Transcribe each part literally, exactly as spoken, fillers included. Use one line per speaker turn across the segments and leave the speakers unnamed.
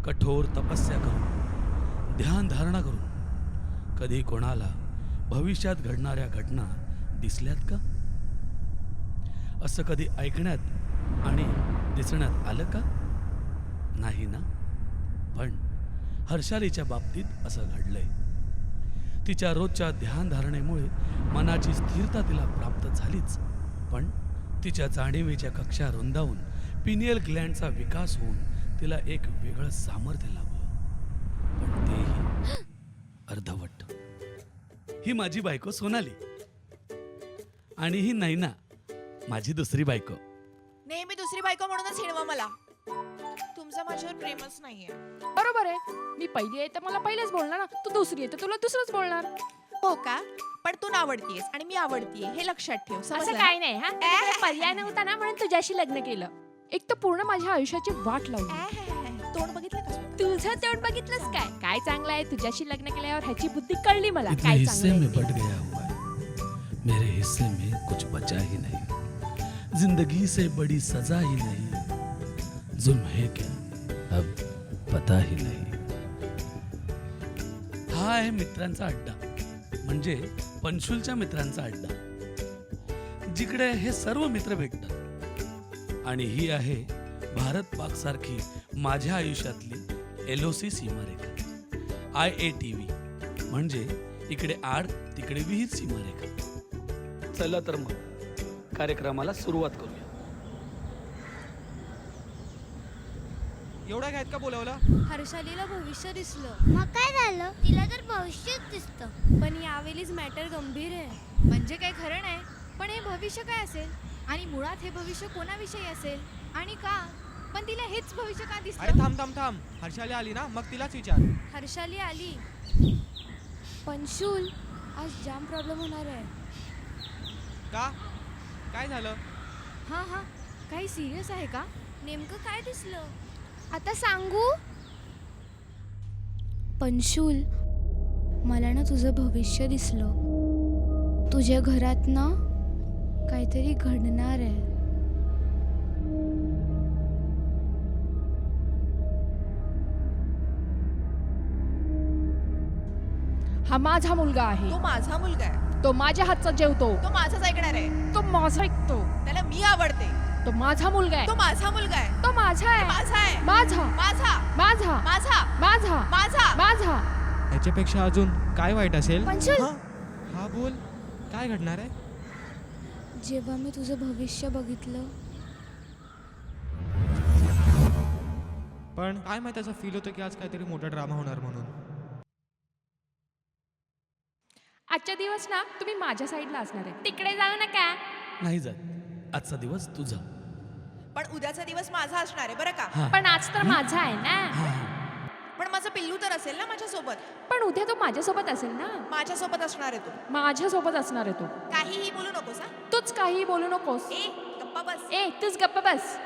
कठोर तपस्या करून, ध्यान धारणा करून कधी कोणाला भविष्यात घडणाऱ्या घटना दिसल्यात का? असं कधी ऐकण्यात आणि दिसण्यात आलं का? नाही ना. पण हर्षालीच्या बाबतीत असं घडलंय. तिच्या रोजच्या ध्यान धारणेमुळे मनाची स्थिरता तिला प्राप्त झालीच, पण तिच्या जाणीवेच्या कक्षा रुंदावून पिनियल ग्लँडचा विकास होऊन तिला एक वेगळं सामर्थ्य लाभलं, पण तेही अर्धवट. ही माझी बायको सोनाली आणि ही नैना, माझी दुसरी बायको.
नेहमी दुसरी बायको म्हणूनच हिणवा मला. तुमचं माझ्यावर प्रेमच नाहीये.
बरोबर आहे. मी पहिली आहे तर मला पहिलेच बोलणार ना. तू दुसरी आहे तर तुला दुसरंच बोलणार.
हो का? पण तू आवडतीयस आणि मी आवडतीये हे लक्षात ठेव.
असं
समजलं
काय
ना?
नाही हा. तुझ्याकडे पर्याय नव्हता ना म्हणून तुझ्याशी लग्न केलं. एक तर पूर्ण माझ्या आयुष्याची वाट लावली.
ऍ, तोंड बघितलं का?
तुझं तोंड बघितलंस काय? काय चांगलं आहे तुझ्याशी लग्न केल्यावर ह्याची बुद्धी कळली मला.
इतने
काय
हिस्से
चांगलं
में
आहे
बट
ते.
गया हुआ है, मेरे हिस्से में कुछ बचा ही नहीं. जिंदगी से बड़ी सजा ही नहीं, जुल्म है क्या अब पता ही नहीं. हा आहे मित्रांचा अड्डा, म्हणजे पंशुलच्या मित्रांचा अड्डा, जिकडे हे सर्व मित्र भेटतात. आणि ही आहे भारत पाक सारखी माझ्या आयुष्यातली एलओसी सीमारेखा, आय ए टी व्ही, म्हणजे इकडे आड तिकडे विहीर सीमारेखा. चला तर मग कार्यक्रमाला सुरुवात करूया.
एवढा घ्यायत का बोलवलं?
हर्षालीला भविष्य दिसलं.
मग काय झालं? तिला तर भविष्यच दिसतं.
पण यावेळीच मॅटर गंभीर आहे. म्हणजे काही खरं नाही, पण हे भविष्य काय असेल आणि मुळात हे भविष्य कोणाविषयी असेल आणि का? पण तिला हेच भविष्य का
अरे
दिसतं?
थांब थांब थांब हर्षाली आली ना, मग तिलाच विचार.
हर्षाली आली. पंशुल, आज जाम प्रॉब्लेम होणार आहे.
का? काय झालं?
हा हा काही सिरियस आहे का? नेमकं काय दिसलं? आता सांगू? पंशुल, मला ना तुझं भविष्य दिसलं. तुझ्या घरात ना काहीतरी घडणार आहे.
हा माझा मुलगा आहे.
तो माझा मुलगा आहे.
तो माझ्या हातचा जेवतो.
तो माझाच ऐकणार आहे.
तो माझा ऐकतो.
त्याला मी आवडते.
तो माझा मुलगा आहे.
तो माझा मुलगा आहे.
तो माझा आहे.
माझा आहे.
माझा
माझा
माझा
माझा
माझा
माझा
माझा.
याच्यापेक्षा अजून काय वाईट असेल?
पंशुल,
हा? हा बोल, काय घडणार आहे?
जेव्हा मी तुझं भविष्य बघितलं,
पण काय माहिती, असं फील होतं की आज काहीतरी मोठा ड्रामा होणार म्हणून.
आजच्या दिवस ना तुम्ही माझ्या साईडला असणार आहे. तिकडे जाऊ नका.
नाही जात. आजचा दिवस तुझा.
पण उद्याचा दिवस माझा असणार आहे बरं का?
हा.
पण आज तर माझा आहे ना.
हा.
पण माझं पिल्लू तर असेल ना माझ्यासोबत.
पण उद्या तो माझ्यासोबत असेल ना.
माझ्यासोबत असणार आहे तो.
माझ्यासोबत असणार आहे तो.
काहीही बोलू नकोस हा.
तूच काही बोलू नकोस.
ए गप्पा बस.
ए तूच गप्प बस.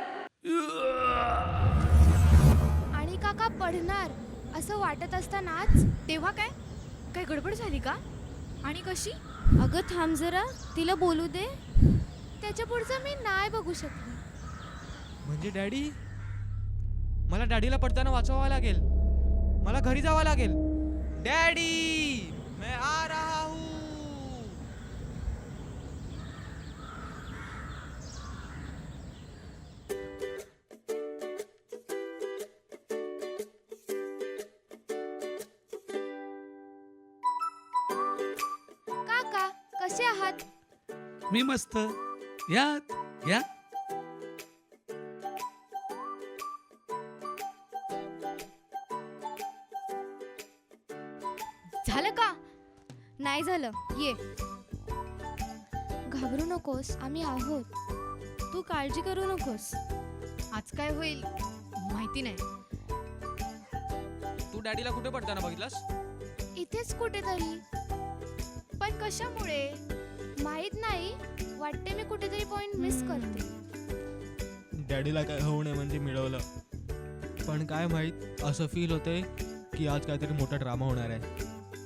आणि काका पडणार असं वाटत असतानाच तेव्हा काय काय गडबड झाली का? आणि कशी? अगं थांब जरा, तिला बोलू दे. त्याच्या पुढचं मी नाही बघू शकले.
म्हणजे डॅडी, मला डॅडीला पडताना वाचवावं लागेल. मला घरी जावं लागेल. डॅडी मैं आ रहा हूँ.
काका कसे आहात?
मी मस्त. यात या.
झालं का? नाही झालं. ये. घाबरू नकोस, आम्ही आहोत. तू काळजी करू नकोस. आज काय होईल माहिती नाही.
तू डॅडीला कुठे पडताना बघितलास?
इथेच कुठेतरी. पण कशामुळे माहित नाही. वाटते मी कुठेतरी पॉइंट मिस करते.
डॅडीला काय होऊ नये म्हणजे मिळवलं, पण काय माहित, असं फील होते की आज काहीतरी मोठा ड्रामा होणार आहे.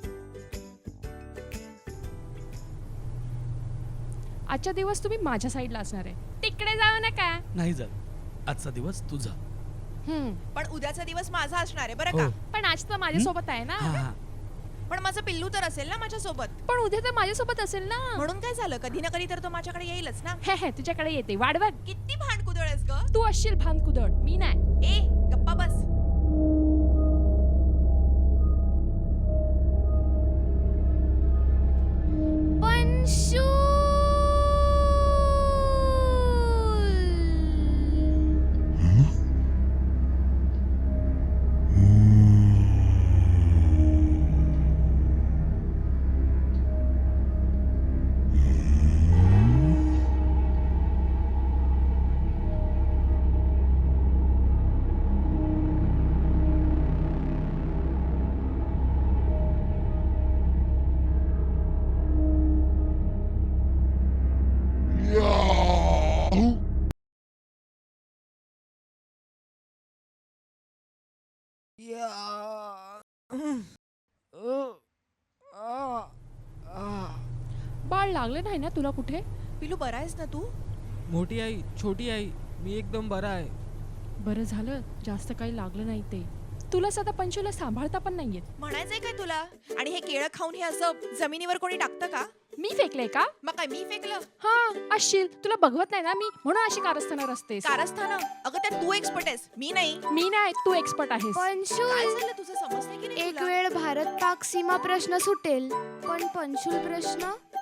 आजच्या दिवस तुम्ही माझ्या साईडला असणार आहे. तिकडे जाऊ नका.
नाही जात. आजचा दिवस तुझा.
हम्म.
पण उद्याचा दिवस माझा असणार आहे बरं
हो.
का.
पण आज तर माझ्यासोबत आहे
हा
ना.
हा
पण माझं पिल्लू तर असेल ना माझ्या सोबत.
पण उद्या तर माझ्यासोबत असेल ना.
म्हणून काय झालं, कधी ना कधी तर तो माझ्याकडे येईलच ना.
हे हे तुझ्याकडे येते वाढ बघ.
किती भांडकुदळ आहेस ग.
तू असशील भानकुदळ, मी नाही.
ए गप्पा बस.
बाळ लागले नाही ना तुला कुठे?
पिल्लू बरा आहेस ना तू?
मोठी आई, छोटी आई, मी एकदम बरा आहे.
बरं झालं, जास्त काही लागलं नाही ते. तुला सध्या पंचूला सांभाळता पण नाहीयेत.
म्हणायचंय काय तुला? आणि हे केळं खाऊन हे असं जमिनीवर कोणी टाकतं का?
मी फेकले का?
मग काय मी फेकलं?
हा असशील, तुला बघवत नाही ना मी, म्हणून अशी कारस्थानावर असतेस.
कारस्थानं? अगं त्यात तू एक्सपर्ट आहेस, मी नाही.
मी नाही, तू एक्सपर्ट आहेस.
पंशुल,
काय झालं तुझं, समजतंय की नाही
एक
तुला?
वेळ भारत पाक सीमा प्रश्न सुटेल, पण पंशुल प्रश्न